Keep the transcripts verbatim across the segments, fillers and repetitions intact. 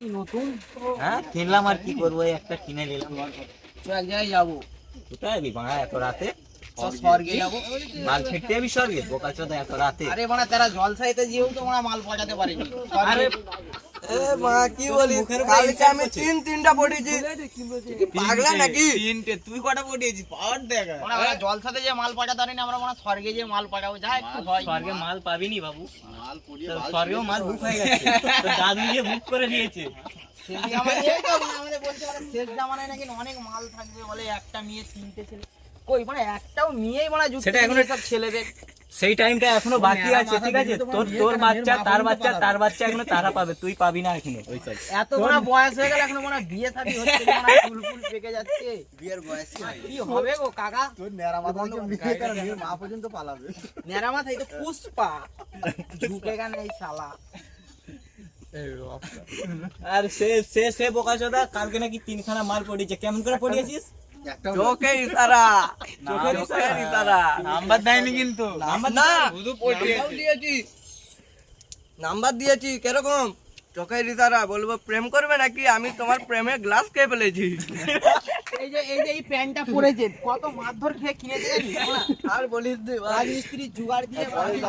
নতুন হ্যাঁ কিনলাম আর কি করবো, এই একটা কিনে নিলাম। চ এক জায়গায় যাবো। কোথায় যাবি বাড়া এত রাতে? চ স্বর্গে যাবো। মাল ছিটতে যাবি স্বর্গে? বোকা চোদা এত রাতে? আরে মানে তারা জলসাইতে যেও তো মানে মাল পৌঁছাতে পারেনি। আরে এ মা কি বলি, কালকে আমি তিন তিনটা পড়েছি, পাগলা নাকি? তিনটে? তুই কটা পটিয়েছিস? পাওয়ার দেখা। মানে আমরা জলসাতে যে মাল পৌঁছাতে পারিনি, আমরা মানে স্বর্গে যে মাল পৌঁছাবো, যা একটু হয়। স্বর্গে মাল পাবিনি বাবু, স্বর্গেও মাল বুক হয়ে গেছে, তোর দাদু গিয়ে বুক করে দিয়েছে। সেদিন আমাদের এই তো মানে আমাদের বলছে মানে শেষ জামানায় নাকি অনেক মাল থাকবে বলে, একটা মেয়ে তিনটে ছেলে। কই মানে একটাও মেয়েই মানে যুক্ত সেটা এখনো- সব ছেলেদের। সেই টাইমটা এখনো বাকি আছে, ঠিক আছে? তোর তোর বাচ্চা, তার বাচ্চা, তার বাচ্চা এখনো তারা পাবে, তুই পাবি না এখনো। ওই সাইড এত বড় বয়স হয়ে গেল এখনো মানে বিয়ে শাদী হচ্ছে না, মানে ফুল ফুল পেকে যাচ্ছে। বিয়ের বয়স কি হবে গো কাকা? তোর নেড়া মাথা বিয়ে করে নিয়ে মা পর্যন্ত পালাবে। নেরা মাথায় তো পুষ্পা ঝুঁকেগা নেই শালা। আর সে সে সে বোকা চোদা কালকে নাকি তিনখানা মাল পড়িয়েছে। কেমন করে পড়িয়েছিস? চোখে ইশারা, চোখের চোখের ইশারা। ইশারা। নাম্বার দেয়নি কিন্তু। নাম্বার না, শুধু দিয়েছি, নাম্বার দিয়েছি। কিরকম? চোখের ইশারা। বলবো প্রেম করবে নাকি? আমি তোমার প্রেমে গ্লাস খেয়ে ফেলেছি। এই যে এই যে এই প্যান্টটা পরেছে কত মারধর খেয়ে কিনেছে জানিস না? আর বলিস নি ভাই, রাজমিস্ত্রি জুগাড় দিয়ে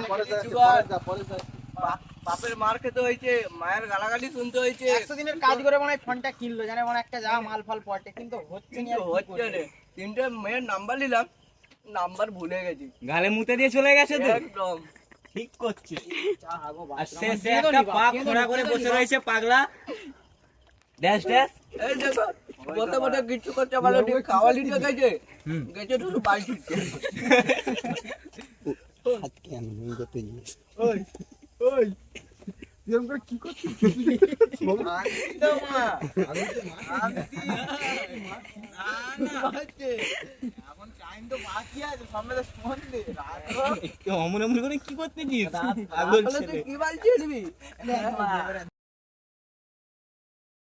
বাপ- বাপের মার খেতে হয়েছে, মায়ের গালাগালি শুনতে হয়েছে। একশো দিনের কাজ করে মানে ফোনটা কিনলো, জানে মানে একটা যা মাল ফাল পটে, কিন্তু হচ্ছে না। কিন্তু হচ্ছে রে, তিনটে মেয়ের নাম্বার নিলাম, নাম্বার ভুলে গেছি গালে মুতে দিয়ে চলে গেছে তো। একদম। ঠিক করছে। আর সে সে একটা পা খোঁড়া করে বসে রয়েছে পাগলা। Dash dash. এই দেখো, বলতে বলতে কিচ্ছু করতে পারলো ঠিক, খাওয়ালি তো গেছে, হুম। গেছে শুধু বাড়ি ফিরছে। ওই ওই এরকম করে কি করছিস? আনছি তো মা, আনছি। না, না। এখন টাইম তো বাকি আছে, সামনে তো সন্ধে, রাত হোক। অমন অমন করে কি করতেছিস? তাহলে তুই কি বাল ছিড়বি?